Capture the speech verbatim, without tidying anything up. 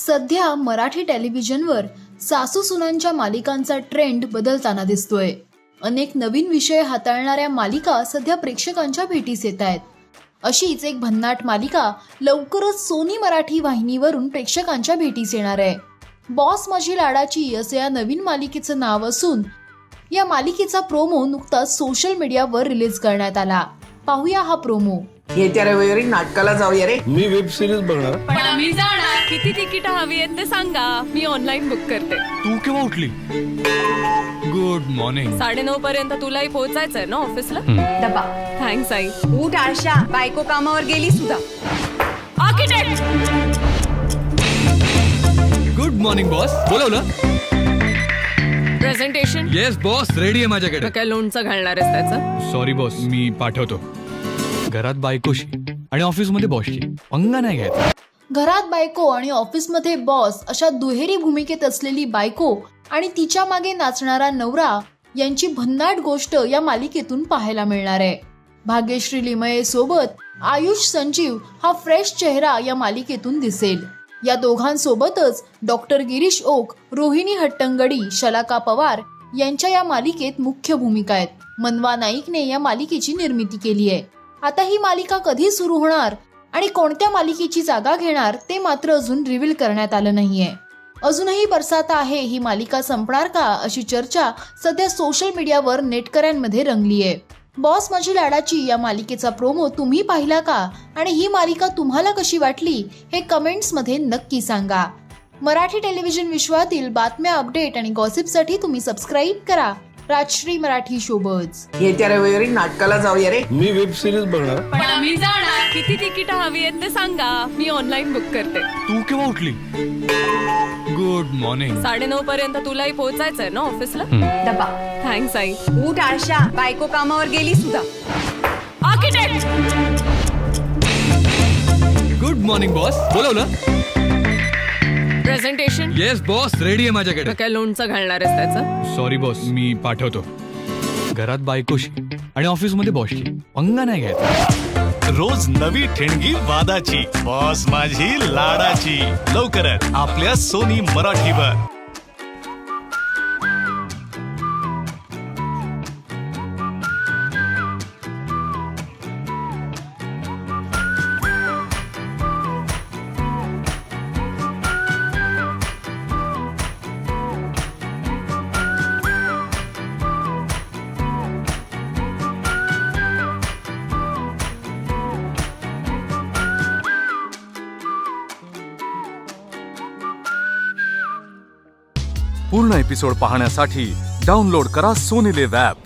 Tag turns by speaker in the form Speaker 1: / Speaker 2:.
Speaker 1: सध्या मराठी टेलिव्हिजनवर सासू सुनांच्या मालिकांचा ट्रेंड बदलताना दिसतोय. अनेक नवीन विषय हाताळणाऱ्या मालिका सध्या प्रेक्षकांच्या भेटीस येत आहेत. अशीच एक भन्नाट मालिका लवकरच सोनी मराठी वाहिनीवरून प्रेक्षकांच्या भेटीस येणार आहे. बॉस माझी लाडाची असे या नवीन मालिकेचं नाव असून या मालिकेचा प्रोमो नुकताच सोशल मीडियावर रिलीज करण्यात आला. पाहूया हा प्रोमो.
Speaker 2: येत्या रविवारी नाटकाला जाऊया रे.
Speaker 3: मी वेब सिरीज बघणार.
Speaker 4: पण आम्ही जाणार. किती तिकीट हवी आहेत ते सांगा, मी ऑनलाईन बुक करते.
Speaker 3: तू केव्हा उठली? Good morning.
Speaker 4: साडेनऊ पर्यंत तुलाही पोहोचायचंय ना ऑफिसला.
Speaker 5: डबा.
Speaker 4: थँक्स आई.
Speaker 5: उठ आळशा, बायको कामावर गेली सुद्धा.
Speaker 4: आर्किटेक्ट.
Speaker 3: Good morning boss. बोलवलं?
Speaker 4: प्रेझेंटेशन.
Speaker 3: येस बॉस, रेडी आहे माझ्याकडे.
Speaker 4: काय लोणचं घालणार आहेस त्याचं?
Speaker 3: सॉरी बॉस, मी पाठवतो. घरात बायकोशी आणि ऑफिस मध्ये बॉसशी पंगा नाही घ्यायचा.
Speaker 1: घरात बायको आणि ऑफिसमध्ये बॉस अशा दुहेरी भूमिकेत असलेली बायको आणि तिच्या मागे नाचणारा नवरा यांची भन्नाट गोष्ट या मालिकेतून पाहायला मिळणार आहे. भाग्यश्री लिमये सोबत आयुष संजीव हा फ्रेश चेहरा या मालिकेतून दिसेल. या दोघांसोबतच डॉक्टर गिरीश ओक, रोहिणी हट्टंगडी, शलाका पवार यांच्या या मालिकेत मुख्य भूमिका आहेत. मनवा नाईकने या मालिकेची निर्मिती केली आहे. आता ही मालिका कधी सुरू होणार आणि कोणत्या मालिकेची जागा घेणार ते मात्र अजून रिव्हील करण्यात आलं नाहीये. अजूनही बरसात आहे ही मालिका संपणार का अशी चर्चा सध्या सोशल मीडियावर नेटकऱ्यांमध्ये रंगली आहे. बॉस माझी लाडाची या मालिकेचा प्रोमो तुम्ही पाहिला का आणि ही मालिका तुम्हाला कशी वाटली हे कमेंट्स मध्ये नक्की सांगा. मराठी टेलिव्हिजन विश्वातील बातम्या, अपडेट आणि गॉसिपसाठी तुम्ही सबस्क्राईब करा राजश्री मराठी शोबज.
Speaker 2: येत्या रविवारी नाटकाला जाऊया रे.
Speaker 3: मी वेब सिरीज बघणार.
Speaker 4: पण आम्ही जाणार. किती तिकीट हवी आहेत ते सांगा, मी ऑनलाईन बुक करते.
Speaker 3: तू केव्हा उठली? Good morning.
Speaker 4: साडेनऊ पर्यंत तुलाही पोहोचायचंय ना ऑफिसला.
Speaker 5: डबा.
Speaker 4: थँक्स आई.
Speaker 5: उठ आळशा, बायको कामावर गेली सुद्धा.
Speaker 4: आर्किटेक्ट.
Speaker 3: Good morning boss. बोलवलं?
Speaker 4: प्रेझेंटेशन.
Speaker 3: येस बॉस, रेडी आहे माझ्याकडे.
Speaker 4: काय लोणचं घालणार आहेस त्याचं?
Speaker 3: सॉरी बॉस, मी पाठवतो. घरात बायकोशी आणि ऑफिस मध्ये बॉसशी पंगा नाही घ्यायचा.
Speaker 6: रोज नवी ठिणगी वादाची. बॉस माझी लाडाची लवकरच आपल्या सोनी मराठीवर.
Speaker 7: पूर्ण एपिसोड पाहण्यासाठी डाउनलोड करा सोनी लिव्ह ॲप.